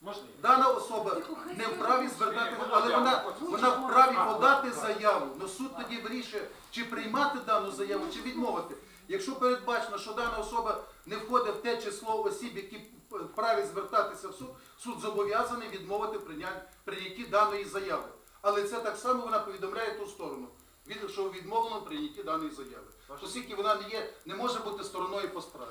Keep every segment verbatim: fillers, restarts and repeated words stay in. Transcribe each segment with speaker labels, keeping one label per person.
Speaker 1: Дана особа не вправі звертати, але вона, вона вправі подати заяву. Но суд тоді вирішує, чи приймати дану заяву, чи відмовити. Якщо передбачено, що дана особа не входить в те число осіб, які вправі звертатися в суд, суд зобов'язаний відмовити прийнятті даної заяви. Але це так само вона повідомляє ту сторону, що відмовлено в прийнятті даної заяви. Оскільки вона не є, не може бути стороною по справі.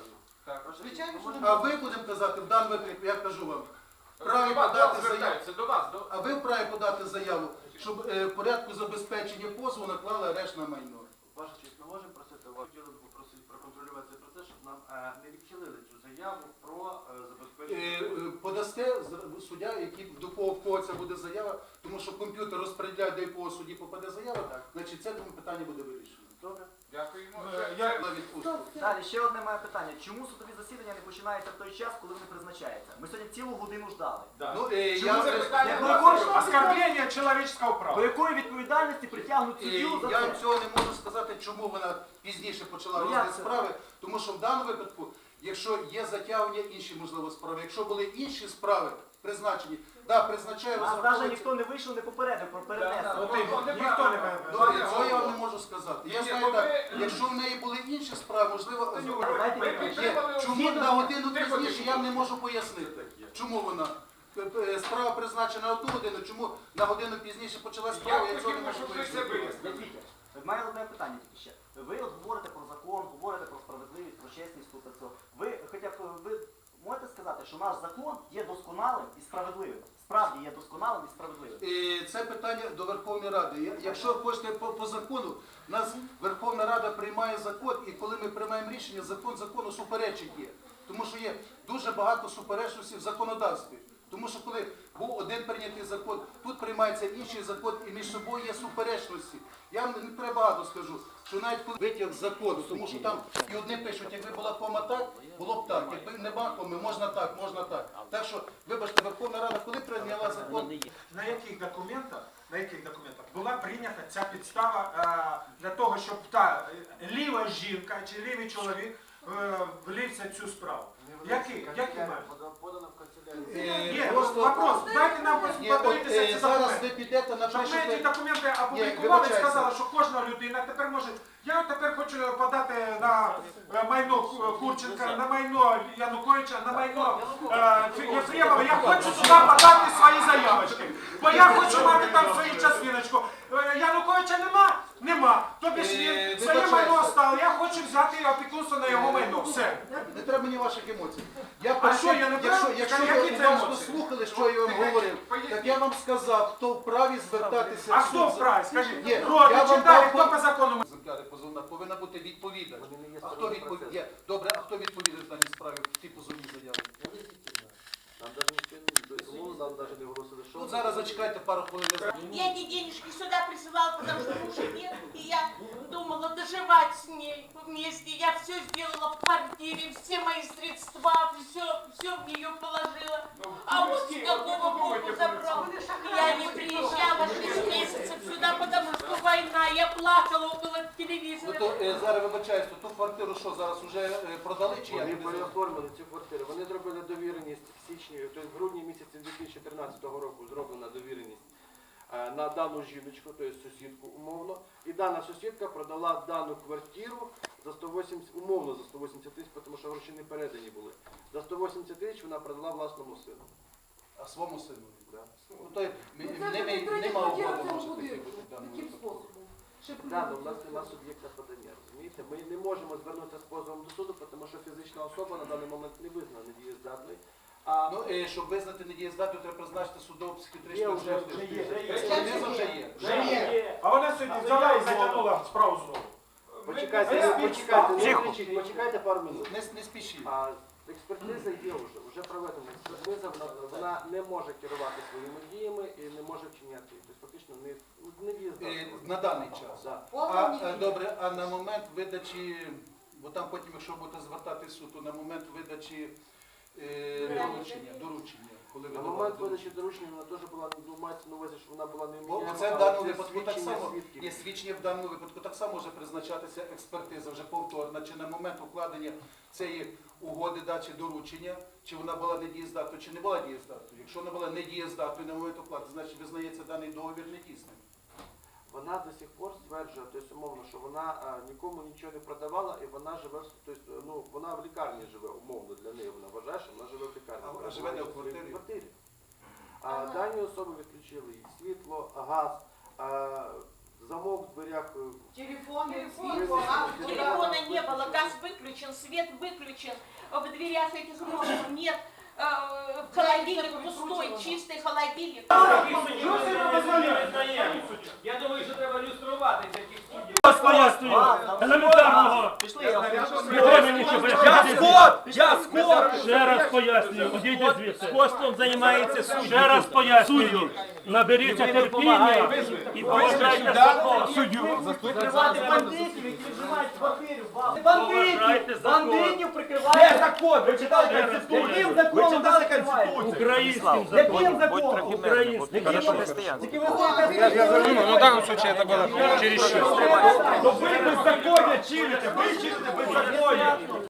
Speaker 1: А ви, будемо казати, в даному випадку, я кажу вам, вправі подати заяву, а ви вправі подати заяву, щоб е, в порядку забезпечення позову наклали арешт на майно.
Speaker 2: Ваша честь, ми можемо просити вас, хотіли б попросити проконтролювати цей процес, щоб нам е, не відхилили цю заяву про е, забезпечення.
Speaker 1: Е, е, подасте з- суддя, який, до кого, в кого це буде заява, тому що комп'ютер розподіляє, до якого судді попаде заява,
Speaker 2: Так.
Speaker 1: значить це тому питання буде вирішено.
Speaker 2: Добре.
Speaker 3: Дякуємо.
Speaker 1: На відпустку.
Speaker 4: Далі, ще одне моє питання. Чому судові засідання не починаються в той час, коли вони призначаються? Ми сьогодні цілу годину ждали.
Speaker 1: Ну, е, я
Speaker 3: Чому це
Speaker 1: вже-
Speaker 3: питання?
Speaker 4: До якого-
Speaker 3: Оскорблення чоловічого
Speaker 4: До
Speaker 3: права.
Speaker 4: якої відповідальності притягнуть
Speaker 1: Е,
Speaker 4: суддю за
Speaker 1: Я
Speaker 4: це?
Speaker 1: вам цього не можу сказати, чому вона пізніше почала
Speaker 4: Ну,
Speaker 1: розгляд
Speaker 4: як це?
Speaker 1: справи, тому що в даному випадку, якщо є затягування інші, можливо, справи, якщо були інші справи призначені, да, призначає
Speaker 4: Нас навіть
Speaker 1: розраховується.
Speaker 4: ніхто не вийшов, не попередив про перенесення.
Speaker 3: Ніхто не
Speaker 1: Ну, цього я вам не можу сказати. Я
Speaker 3: Ні,
Speaker 1: знаю
Speaker 3: бо
Speaker 1: так,
Speaker 3: ви-
Speaker 1: якщо в неї були інші справи, можливо,
Speaker 3: Ми
Speaker 1: є.
Speaker 3: підтримали
Speaker 1: Чому на годину
Speaker 3: Тихо,
Speaker 1: пізніше,
Speaker 3: тихо.
Speaker 1: я вам не можу пояснити. Чому вона? Е, е, Справа призначена на одну годину, чому на годину пізніше почалась справа, я
Speaker 3: Я
Speaker 1: цього не
Speaker 3: хотів,
Speaker 1: можу
Speaker 3: щоб ви це
Speaker 1: пояснити.
Speaker 3: вияснили.
Speaker 4: Вітя, в мене одне питання тільки ще. Ви от говорите про закон, говорите про справедливість, про чесність тут та цього. Ви хоча б ви можете сказати, що наш закон є досконалим і справедливим? Справді є досконалим і справедливим.
Speaker 1: І це питання до Верховної Ради. Я- Якщо хочете по, по закону, у нас Верховна Рада приймає закон, і коли ми приймаємо рішення, закон закону суперечить є. Тому що є дуже багато суперечностей в законодавстві. Тому що коли був один прийнятий закон, тут приймається інший закон, і між собою є суперечності. Я вам не треба багато скажу, що навіть коли витяг з закону, тому що там і одні пишуть, якби була кома так, було б так, якби нема коми, можна так, можна так. Так що, вибачте, Верховна Рада, коли прийняла закон,
Speaker 5: На яких документах, на яких документах була прийнята ця підстава е, для того, щоб та е, ліва жінка чи лівий чоловік е, влівся в цю справу? Які? Які мають?
Speaker 2: Подано в канцелярію.
Speaker 1: е,
Speaker 5: Є,
Speaker 1: просто...
Speaker 5: вопрос, дайте нам
Speaker 1: Ні, от,
Speaker 5: подивитися
Speaker 1: е,
Speaker 5: ці
Speaker 1: зараз
Speaker 5: документи.
Speaker 1: ви підете,
Speaker 5: Щоб ми ці
Speaker 1: напишете...
Speaker 5: документи опублікували і
Speaker 1: вибачайте.
Speaker 5: сказали, що кожна людина тепер може, я тепер хочу подати на е, майно Курченка, на майно Януковича, на майно е, Єфремова, я хочу сюди подати свої заявочки, бо я хочу мати там свою частиночку. Е, Януковича нема? Нема. Тобі ж
Speaker 1: Е,
Speaker 5: він своє
Speaker 1: вибачайте.
Speaker 5: майно стало, я хочу взяти опікунство на його майно. Все.
Speaker 1: Не треба мені ваших емоцій. Я
Speaker 5: А
Speaker 1: перед
Speaker 5: що,
Speaker 1: тим,
Speaker 5: я не
Speaker 1: якщо,
Speaker 5: прав?
Speaker 1: якщо
Speaker 5: Які
Speaker 1: ви
Speaker 5: це
Speaker 1: уважно
Speaker 5: емоції?
Speaker 1: слухали, що я вам говорив, так я вам сказав, хто вправі звертатися
Speaker 5: А
Speaker 1: в суд.
Speaker 5: хто вправі? Скажіть,
Speaker 1: Ні,
Speaker 5: Рот,
Speaker 1: я вам
Speaker 5: читали,
Speaker 1: дав
Speaker 5: хто по закону?
Speaker 1: Екземпляри позовна повинна бути відповідач.
Speaker 2: Вони не є
Speaker 1: А хто
Speaker 2: стороною
Speaker 1: відповідає?
Speaker 2: процесу.
Speaker 1: Добре, а хто відповідає в даній справі в тій позовній заяві?
Speaker 2: Нам навіть ніхто не тому нам навіть не оголосили, що...
Speaker 1: Ну зараз зачекайте пару хвилин.
Speaker 6: Я эти денежки сюда присылала, потому что мужа нет, и я думала доживать с ней вместе. Я все сделала в квартире, все мои средства, все, все в нее положила. А вот с какого боку забрал. Я не приезжала шесть месяцев сюда, потому что война. Я плакала около
Speaker 1: Ну
Speaker 6: телевизора.
Speaker 1: то е, зараз вибачаюсь, то ту квартиру що зараз уже е, продали чи як?
Speaker 2: Вони переоформили цю квартиру. Вони зробили довіреність в січні, тобто в грудні місяці дві тисячі чотирнадцятого року зроблена довіреність е, на дану жіночку, тобто сусідку умовно. І дана сусідка продала дану квартиру за сто вісімдесят, умовно за сто вісімдесят тисяч, тому що гроші не передані були. За сто вісімдесят тисяч вона продала власному сину.
Speaker 1: А своєму сину?
Speaker 2: Да.
Speaker 1: Ну, то й-
Speaker 7: Ну,
Speaker 1: м-
Speaker 7: це
Speaker 1: нема-
Speaker 7: вже третя
Speaker 1: нема
Speaker 7: квартира
Speaker 1: угоди,
Speaker 7: в цьому
Speaker 1: може таки
Speaker 7: будинку.
Speaker 1: бути в даному
Speaker 7: Яким
Speaker 1: випадку.
Speaker 7: способом? Ще
Speaker 2: Да, але у
Speaker 7: придумати
Speaker 2: нас
Speaker 7: це.
Speaker 2: нема суб'єкта подання, розумієте? Ми не можемо звернутися з позовом до суду, тому що фізична особа на даний момент не визнана недієздатною. А
Speaker 1: Ну, е, щоб визнати недієздатною, треба призначити судово
Speaker 2: Є
Speaker 1: психіатричну
Speaker 2: вже, вже є.
Speaker 1: Експертиза вже є.
Speaker 5: Вже є. А вона сьогодні взяла і затягнула справу знову.
Speaker 2: Почекайте,
Speaker 5: Ми-
Speaker 2: не-
Speaker 5: ми-
Speaker 2: почекайте, не
Speaker 4: Тихо.
Speaker 2: кричіть, почекайте пару минут.
Speaker 1: Не, не спішіть.
Speaker 2: А експертиза є вже, вже проведена. Експертиза, вона, вона не може керувати своїми діями і не може вчиняти. Тобто фактично не, не
Speaker 1: Е,
Speaker 2: дієздатна.
Speaker 1: на даний час.
Speaker 2: Да.
Speaker 1: А, е, добре, а на момент видачі, бо там потім, якщо будете звертати в суд, то на момент видачі е, доручення, доручення, коли ви
Speaker 2: На
Speaker 1: давали
Speaker 2: момент
Speaker 1: доручення.
Speaker 2: видачі доручення вона теж була, ну, мається на увазі, що вона була не
Speaker 1: Бо
Speaker 2: вміняема,
Speaker 1: це в
Speaker 2: але
Speaker 1: даному
Speaker 2: це
Speaker 1: випадку так
Speaker 2: свідчення
Speaker 1: само
Speaker 2: свідків.
Speaker 1: є свідчення в даному випадку так само може призначатися експертиза вже повторна, чи на момент укладення цієї угоди дачі доручення, чи вона була недієздатною, чи не була дієздатною. Якщо вона була недієздатною на момент оплати, значить визнається даний договір недійсним.
Speaker 2: Вона до сих пор стверджує, тобто умовно, що вона а, нікому нічого не продавала і вона живе, в- тобто, ну, вона в лікарні живе, умовно для неї. Вона вважає, що вона живе в лікарні.
Speaker 1: А вона
Speaker 2: Вона
Speaker 1: живе не в
Speaker 2: в своїй
Speaker 1: квартирі?
Speaker 2: квартирі. А дані особи відключили і світло, газ, а, замок в дверях. е,
Speaker 6: Телефона не было, газ выключен, свет выключен, в дверях этих ножек нет, э, холодильник пустой, чистый холодильник.
Speaker 7: Я думаю, що треба люструвати таких суддів.
Speaker 8: Пояснюю, елементарного.
Speaker 4: Пішли, я
Speaker 8: Не мені нічого.
Speaker 7: Я скот! Я скот!
Speaker 8: Ще раз пояснюю, одійте звідси.
Speaker 7: Скотством займається суддя.
Speaker 8: Ще раз пояснюю, наберіться терпіння і поважайте закон.
Speaker 4: прикривати бандитів, які вживають в квартирі.
Speaker 8: Поважайте закон.
Speaker 4: Бандитів
Speaker 7: Де
Speaker 4: прикривають.
Speaker 7: закон? Ви читали Конституцію?
Speaker 4: Яким
Speaker 7: Ви
Speaker 4: законом
Speaker 7: читали
Speaker 4: ви прикриваєте?
Speaker 7: Конституцію?
Speaker 8: Українським
Speaker 4: Яким
Speaker 8: законом.
Speaker 4: законом?
Speaker 8: Українським законом.
Speaker 4: Тільки ви ходите.
Speaker 3: Ну, в данном случае это было чересчур.
Speaker 7: То ви беззаконня чините, ви чините беззаконня.